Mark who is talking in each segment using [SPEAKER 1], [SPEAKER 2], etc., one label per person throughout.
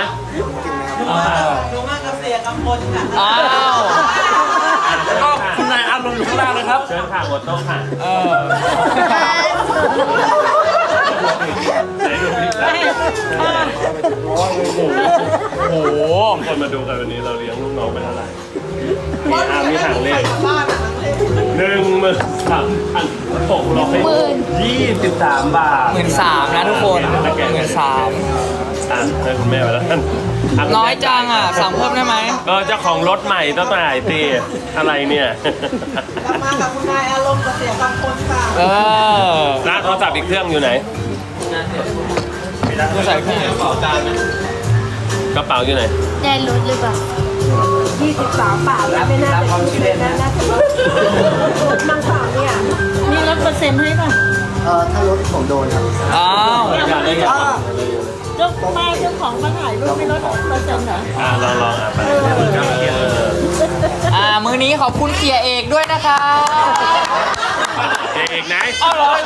[SPEAKER 1] ดูมากกับเสียกับคนค่ะ
[SPEAKER 2] อ้าวก็คุณนายอารมณ์อยู่ข้างล่างเลยครับ
[SPEAKER 3] เชิญค่ะหัวโต๊ะค่ะไหนดูพริกโอ้โหคนมาดูกันวันนี้เราเลี้ยงลูกน้องไปเท่าไหร่มีหางเลข13,623 บาท
[SPEAKER 2] 13,000นะทุกคน13,000
[SPEAKER 3] ให้คุณแม่ไปแล้วท่าน
[SPEAKER 2] น้อยจังอ่ะสั่งเพิ่มได้ไหม
[SPEAKER 3] เจ้าของรถใหม่ต้องจ่ายตีอะไรเนี่ย
[SPEAKER 1] กลับมากับคุณนายอารมณ์กับเสียกับคนค่ะ
[SPEAKER 3] ร้านโทรศัพท์อีกเครื่องอยู่ไหน
[SPEAKER 2] ใส่เครื่อง
[SPEAKER 3] กระเป๋าอยู่ไหน
[SPEAKER 4] ได้รถหรือเปล่า
[SPEAKER 5] 23 บาทแล้วไม่น่าจะคิดเลยนะน่าจะลดมั่งเปล่าเนี่ยนี่ลดเปอร์เซ็นต์ให้ป่ะ
[SPEAKER 6] ถ้ารถผมโดนครับ
[SPEAKER 2] อ้าว
[SPEAKER 5] เจ้าป้าเจ้าของมาถ่ายรูปไม่ลดเปอร์เซ็นต์เหรอ
[SPEAKER 3] ลองไป
[SPEAKER 2] มื้อนี้ขอบคุณเสียเอกด้วยนะครับ
[SPEAKER 3] เสียเอกไหน
[SPEAKER 2] อ้าวเหรอ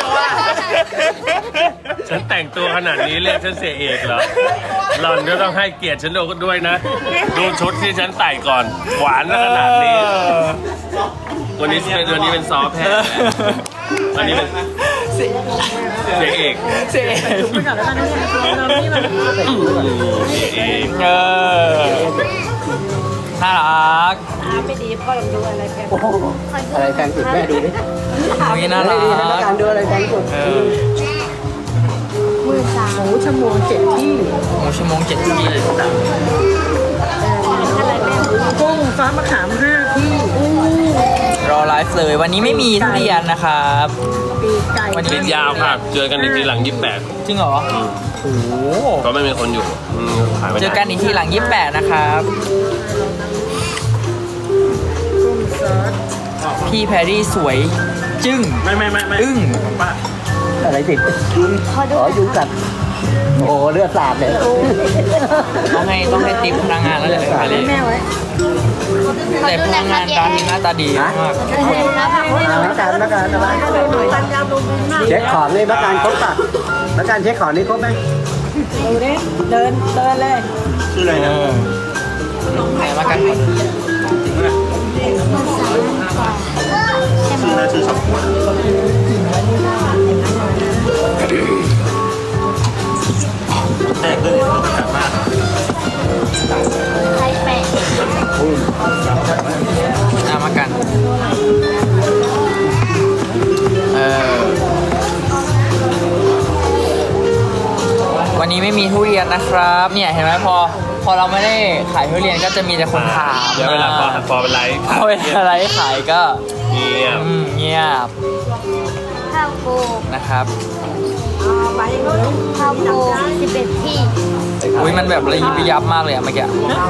[SPEAKER 3] ฉันแต่งตัวขนาดนี้เรียกฉันเสียเอกเหรอหล่อนก็ต้องให้เกียรติฉันด้วยนะ ดูชุดที่ฉันใส่ก่อน หวานขนาดนี้ วันนี้เป็นซอฟแพทย์อันนี้เป็นเสียเอก
[SPEAKER 2] เสียเอก
[SPEAKER 5] ไปก่อนแล้วกันนะเรานี่มัน
[SPEAKER 3] เสียเอก
[SPEAKER 2] น่ารัก
[SPEAKER 5] ไม่ดีพ่อลองดูอะไรแพง
[SPEAKER 6] อะไรแพงสุดแม่ดูดิ
[SPEAKER 2] เมื่อกี้น่ารั
[SPEAKER 6] ดีนะ
[SPEAKER 2] ก
[SPEAKER 6] การดูอะไรแพงสุด
[SPEAKER 5] หมูชั่วโมง7 ที่
[SPEAKER 2] หมูชั่วโมง7 ที่
[SPEAKER 5] กุ้งฟ้ามะขาม5 ที่
[SPEAKER 2] รอไลฟ์เลย วันนี้ไม่มีทุเรียนนะครับ
[SPEAKER 5] ปีกไก่
[SPEAKER 2] วันนี้
[SPEAKER 3] ติดยาวค่ะ เจอกันอีกทีหลัง
[SPEAKER 2] จริงเหรอ โอ้โห
[SPEAKER 3] 28ก็ไม่มีคนอยู่ขายไม่ได้
[SPEAKER 2] เจอกันอีกทีหลัง 28 นะครับ พี่แพรรี่สวย จึ้ง
[SPEAKER 3] ไม่
[SPEAKER 2] อึ้ง
[SPEAKER 6] อะไรติดยุงกัดโอ้เลือดสาดเลย
[SPEAKER 2] ต้องให้ติ๊บพนักงานแล้วแหละแพรรี่
[SPEAKER 5] แม่ไว้
[SPEAKER 2] แต่พนักงานร้านนี้หน้าตาดีมาก
[SPEAKER 6] นักการเช็คของนี่นักการครบป่ะนักการเช็คของนี่ครบไหม
[SPEAKER 5] ดูดิเดินเลย
[SPEAKER 3] ชื่ออะไรนะ
[SPEAKER 2] ไหนมากันก่อน
[SPEAKER 3] ชื่อน่าชื่อสับปะแตกเลยกลับมา
[SPEAKER 4] ใครแปะ
[SPEAKER 2] มากันวันนี้ไม่มีทุเรียนนะครับ เนี่ยเห็นไหมพอเราไม่ได้ขายทุเรียนก็จะมีแต่คนถาม
[SPEAKER 3] เดี๋ยวเวลาพอเป็นไลฟ์
[SPEAKER 2] พอเวลาไลฟ์ขายก็
[SPEAKER 3] เงียบ
[SPEAKER 2] เงียบ
[SPEAKER 4] ข้าวโพด
[SPEAKER 2] นะครับ
[SPEAKER 4] ข้าวโพด11 ที่
[SPEAKER 2] อุ้ยมันแบบระยิบระยับมากเลยอะเมื่อกี้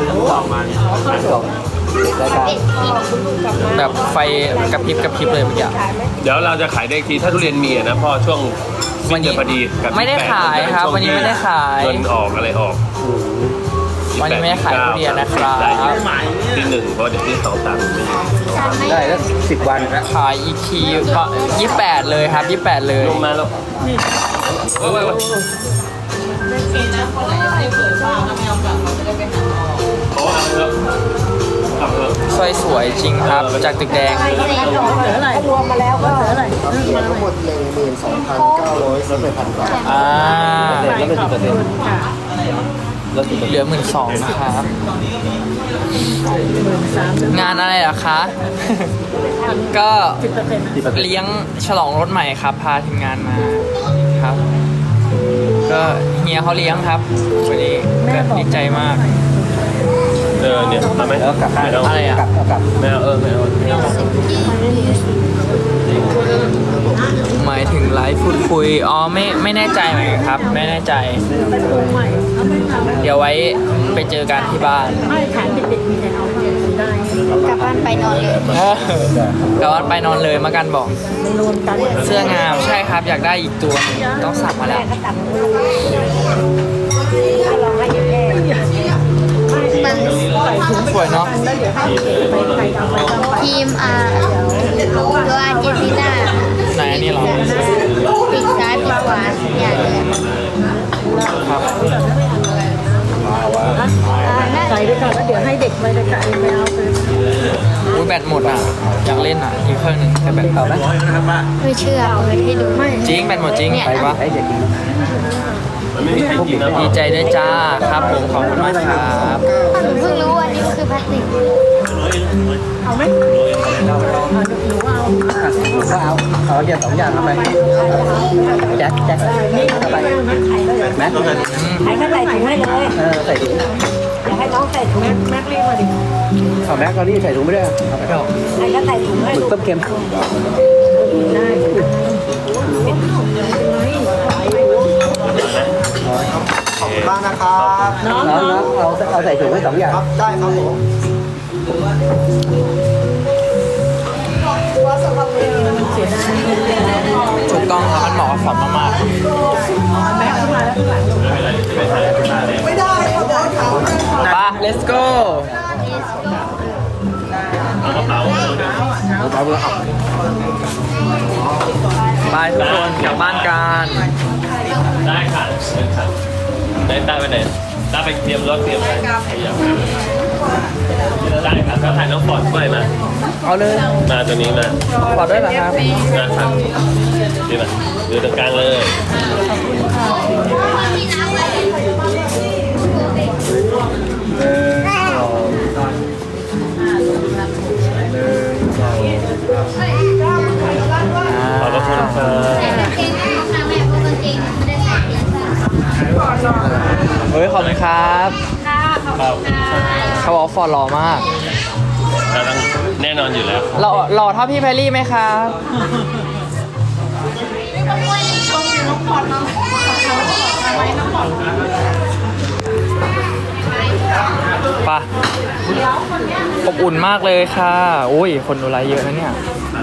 [SPEAKER 4] 11 ที่
[SPEAKER 2] แบบไฟกระพริบเลยเมื่อกี้
[SPEAKER 3] เดี๋ยวเราจะขายได้ทีถ้าทุเรียนมีอะนะพ่อช่วงสิ้นเดือนพอดีกับ
[SPEAKER 2] ไม่ได้ขายครับ วันนี้ไม่ได้ขาย
[SPEAKER 3] เงินออกอะไรออก
[SPEAKER 2] วันนี้ไม่ได้ขายทุเรียนนะครับ
[SPEAKER 3] ได้ที่1เพราะเดี๋ยวที่2 3ไม่อยู่
[SPEAKER 6] ได้แล้ว10 วัน
[SPEAKER 2] ขายอีกทีก็28 เลยครับ 28 เลย
[SPEAKER 3] ลงมาแล้วเว้ยโอ้เอาแล้วขับเถอะ
[SPEAKER 2] สวยสวยจริงครับ จากตึกแดง
[SPEAKER 5] เหลืออะไรรวมมาแล้วก็เหลืออะไร
[SPEAKER 6] ทั้งหมด12,900ลดไป1,000 บาท
[SPEAKER 2] ลดไป
[SPEAKER 6] 10%
[SPEAKER 5] ค่ะ
[SPEAKER 2] เหลือ12,000นะครับ งานอะไรเหรอคะ ก็
[SPEAKER 5] 10%
[SPEAKER 2] เลี้ยงฉลองรถใหม่ครับ พาทีมงานมาครับ ก็เฮียเขาเลี้ยงครับวันนี้ก็ดีใจมาก
[SPEAKER 3] เนี่ยทำไหม
[SPEAKER 6] แล้วกลับ
[SPEAKER 3] ไม่เอา
[SPEAKER 2] อะไรอ่ะ
[SPEAKER 6] กลับ
[SPEAKER 3] ไม่เอาไม่เอา
[SPEAKER 2] หมายถึงไลฟ์พูดคุย อ๋อไม่แน่ใจเหมือนกันครับ ไม่แน่ใจ
[SPEAKER 5] เป็นปรุงใหม่เขาไม่ทำ
[SPEAKER 2] เดี๋ยวไว้ไปเจอกันที่บ้าน
[SPEAKER 5] ไม่ขายเด็กๆมีแต่เอาได้
[SPEAKER 4] กลับบ้านไปนอนเลย
[SPEAKER 2] กลับบ้านไปนอนเลยมากันบอก
[SPEAKER 5] มันรวมกัน
[SPEAKER 2] เสื้องามใช่ครับ อยากได้อีกตัวหนึ่งต้องสั่งมาแล้ว
[SPEAKER 4] มัน
[SPEAKER 2] สวยเนาะ
[SPEAKER 4] ทีมตัวอาร์เจนตินา
[SPEAKER 2] ไหนอันนี้เหรอ
[SPEAKER 4] ปีกซ้ายปีกขวาอย่างเลย
[SPEAKER 2] ครับ
[SPEAKER 5] ไปก่อนแล้วเดี๋ยวให้เด็กไปเลยค่ะไปเอาไป
[SPEAKER 2] อุ้ยแบตหมดอ่ะ อยากเล่นอ่ะ อีกเครื่องหนึ่งแต่แบตเอาแล้ว
[SPEAKER 4] ไม่เชื่อเปิดให้ดูไม่
[SPEAKER 2] จริงแบตหมดจริงไปปะ
[SPEAKER 6] ไอ้เด็กกิน
[SPEAKER 3] มันไม่มีใครกินแล้ว
[SPEAKER 2] ดีใจด้วยจ้าครับผมขอบคุณมากครับ
[SPEAKER 4] หนูเพิ่งรู้ว่านี่คือพลาสติก
[SPEAKER 5] เอาไหม
[SPEAKER 6] ผมก็เอาอย่าง2อย่างทำไมแจ็คทำไมแม็ก
[SPEAKER 5] ใครก็ใส่ถุงให้เลย
[SPEAKER 6] ใส่ถุง
[SPEAKER 5] อยากให้น้องใส่ถุงแม็กรีบมาดิ
[SPEAKER 6] เอาแม็กตอนนี้ใส่ถุงไม่ได้เอาไปเถอะ
[SPEAKER 5] ใครก็ใส่ถุงให้
[SPEAKER 6] หมึกต้มเค็ม
[SPEAKER 5] ได้
[SPEAKER 1] ขอบคุณมากนะครับ
[SPEAKER 5] น้อง
[SPEAKER 6] น้องเอาใส่ถุงให้2อย่าง
[SPEAKER 1] ครับได้ครับผม
[SPEAKER 2] ถูกต้องครับมันเหมาะกับฟอร์มมาก
[SPEAKER 1] ไม่ได้ครับเดี๋ยวถาม
[SPEAKER 2] ๆไป let's go
[SPEAKER 3] เอากระเป๋า
[SPEAKER 2] ไปทุกคนกลับบ้านกัน
[SPEAKER 3] ได้ค่ะได้ตาไปไหนตาไปเตรียมรถเตรียมอะไรได้ครับแล้วถ่ายน้องปอดด้วยมา
[SPEAKER 2] เอาเลย
[SPEAKER 3] มาตัวนี้มา
[SPEAKER 2] ขอด้วยเหรอครับ
[SPEAKER 3] นะครับดีมาดูตรงกลางเลย ขอบพระคุณครับ
[SPEAKER 2] เฮ้ยขอบคุณครับ
[SPEAKER 3] ครับ
[SPEAKER 2] เขาบอกฟอร์ดหล่อมาก
[SPEAKER 3] ต้องแน่นอนอยู่แล้ว
[SPEAKER 2] หล่อเท่าพี่แพรรี่ไหมครับไปะอบอุ่นมากเลยค่ะอุ้ยคนดูไลฟ์เยอะนะเนี่ย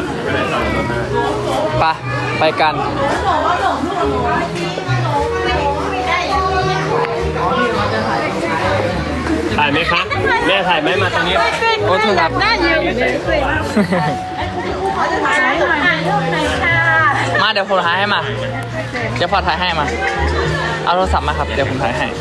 [SPEAKER 2] ไปกัน
[SPEAKER 3] ถ่ายไหมครับแม่ถ่ายไหมมาตรงนี้
[SPEAKER 2] โอ้โทษครับ มาเดี๋ยวผมถ่ายให้มา เดี๋ยวพอถ่ายให้มา เอาโทรศัพท์มาครับ เดี๋ยวผมถ่ายให้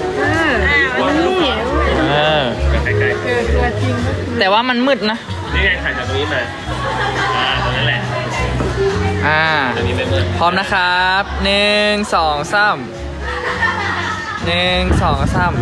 [SPEAKER 2] เออแต่ว่ามันมืดนะ
[SPEAKER 3] นี่ไงถ่ายจากตรงนี้มาตรงนั้นแหละ ตรงนี้ไม่มืด
[SPEAKER 2] พร้อมนะครับ1 2 3 1 2 3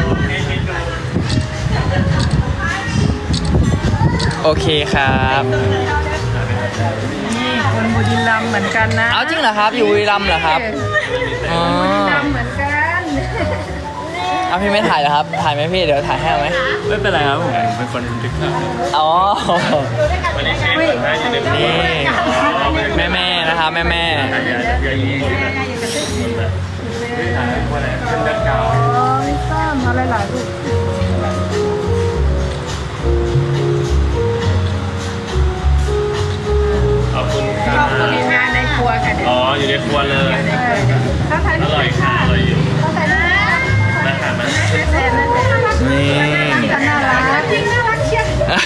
[SPEAKER 2] โอเคครับ
[SPEAKER 5] นี่คนบุรีรัมย์เหมือนกันนะ
[SPEAKER 2] เอาจริงเหรอครับ อยู่บุรีรัมย์เหรอครับอ๋อ
[SPEAKER 5] เหมือนกัน
[SPEAKER 2] เอาพี่ไม่ถ่ายเหรอครับ ถ่ายไหมพี่ เดี๋ยวถ่ายให้เอาไหม
[SPEAKER 3] ไม่เป็นไรครับผมเป็นคนทึกภาพ
[SPEAKER 2] อ๋อ
[SPEAKER 3] วันนี้เชฟคนไทยอยู่ใน
[SPEAKER 2] นี่แม่ๆนะครับแม่
[SPEAKER 3] อย่างนี้
[SPEAKER 5] ซ้ำอะไรหลายลูก
[SPEAKER 3] ขอบคุณครับ
[SPEAKER 5] งานในครัวค่ะ
[SPEAKER 3] อ๋ออยู่ในครัวเลย อร่อยค่ะอร่อยอยู่นะครับมา
[SPEAKER 2] ๆนี่
[SPEAKER 5] น่ารักจริงน่ารักเชียว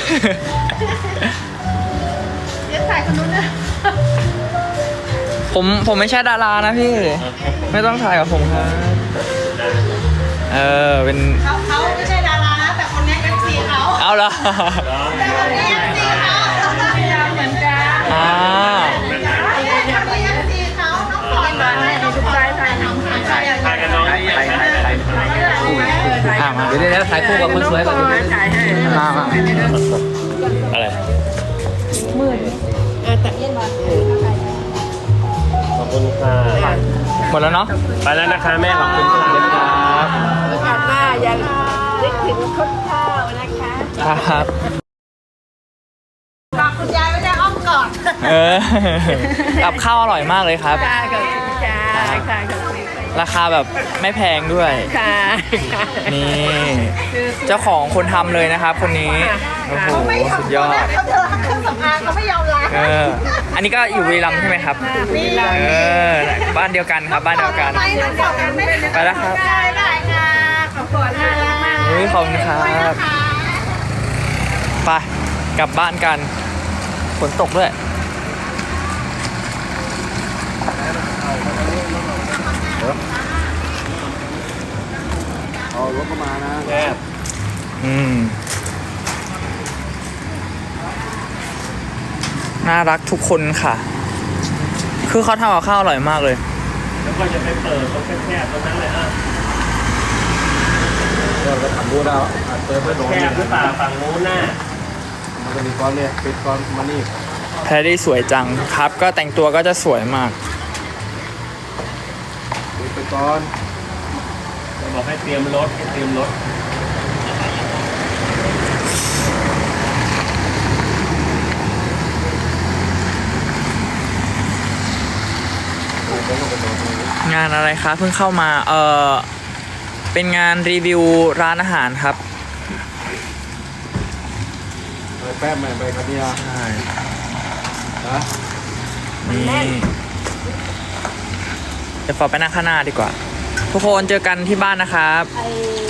[SPEAKER 5] เดี๋ยวถ่ายคนนู้นนะ
[SPEAKER 2] ผมไม่ใช่ดารานะพี่ ไม่ต้องถ่ายกับผมครับ เป็น
[SPEAKER 1] เขาไม่ใช่ดารานะแต่คนนี้เป็นสีเขา
[SPEAKER 2] เอาละ
[SPEAKER 1] แต่คนนี้เป็นสีเขา
[SPEAKER 5] เหมือนกัน
[SPEAKER 2] อ่า
[SPEAKER 1] คนนี้เป็นสีเขาน้องปอนมาให้น้องปอนถ่ายน้องปอนถ่าย
[SPEAKER 3] ถ่ายกันน้องถ่าย
[SPEAKER 2] มาเดี๋ยวถ่ายคู่กับคนสวยก่อน
[SPEAKER 5] ถ่ายให้
[SPEAKER 2] มา
[SPEAKER 3] อะไรขอบคุณค่ะ
[SPEAKER 2] หมดแล้วเนาะ
[SPEAKER 3] ไปแล้วนะคะแม่ขอบคุณค่ะ
[SPEAKER 2] ครับ
[SPEAKER 5] โอกาสหน้ายังนึกถึงข้าวข้าวนะคะ
[SPEAKER 2] ครับ
[SPEAKER 1] ฝากคุณยายไว้ในอ้อมกอด
[SPEAKER 2] กับข้าวอร่อยมากเลยครับ
[SPEAKER 5] ค่ะขอบคุณค่ะค่ะขอบคุณ
[SPEAKER 2] ราคาแบบไม่แพงด้วย
[SPEAKER 5] ค่ะ
[SPEAKER 2] นี่ เจ้าของคนทำเลยนะครับ คนนี้ โอ้โห สุดยอด
[SPEAKER 1] เขาจะล้างเครื่องสำอางเขาไม่ยอมล้าง
[SPEAKER 2] อันนี้ก็อยู่บุรีรัมย์ใช่ไหมครับ
[SPEAKER 1] นี่
[SPEAKER 2] บ้านเดียวกันครับ บ้านเดียวกัน
[SPEAKER 1] ไปน้องปอนกันไม่
[SPEAKER 2] ไปแล้วครับ
[SPEAKER 1] ได้ได้ค่ะขอบคุณน่ารักมาก
[SPEAKER 2] เฮ้ยขอบคุณครับ ไป กลับบ้านกัน ฝนตกด้วย
[SPEAKER 6] เอารถเข้ามานะ
[SPEAKER 2] น่ารักทุกคนค่ะ คือเขาทำกับข้าวอร่อยมากเลย
[SPEAKER 3] แล้วก็จะไปเปิดตรงแคบๆตรงนั้นเลยอ่ะ
[SPEAKER 6] เราไปทำบูธเอาเติมไปโดน
[SPEAKER 3] แคบหรือเปล่าฝั่งนู้นน่ะ
[SPEAKER 6] มันจะมีก้อนเนี่ยปิดก้อนมานี่
[SPEAKER 2] แพรรี่สวยจังครับ ก็แต่งตัวก็จะสวยมาก
[SPEAKER 6] ปิดไปก้อน
[SPEAKER 3] จะบอกให้เตรียมรถให้เตรียมรถ
[SPEAKER 2] งานอะไรคะเพิ่งเข้ามาเป็นงานรีวิวร้านอาหารครับ
[SPEAKER 6] ไปแป๊บแม่ไปกันเนี่ย
[SPEAKER 2] ใช่
[SPEAKER 6] นะ
[SPEAKER 2] นี่เดี๋ยวฟอไปนั่งข้างหน้าดีกว่า ทุกคนเจอกันที่บ้านนะครับ
[SPEAKER 5] ไอ้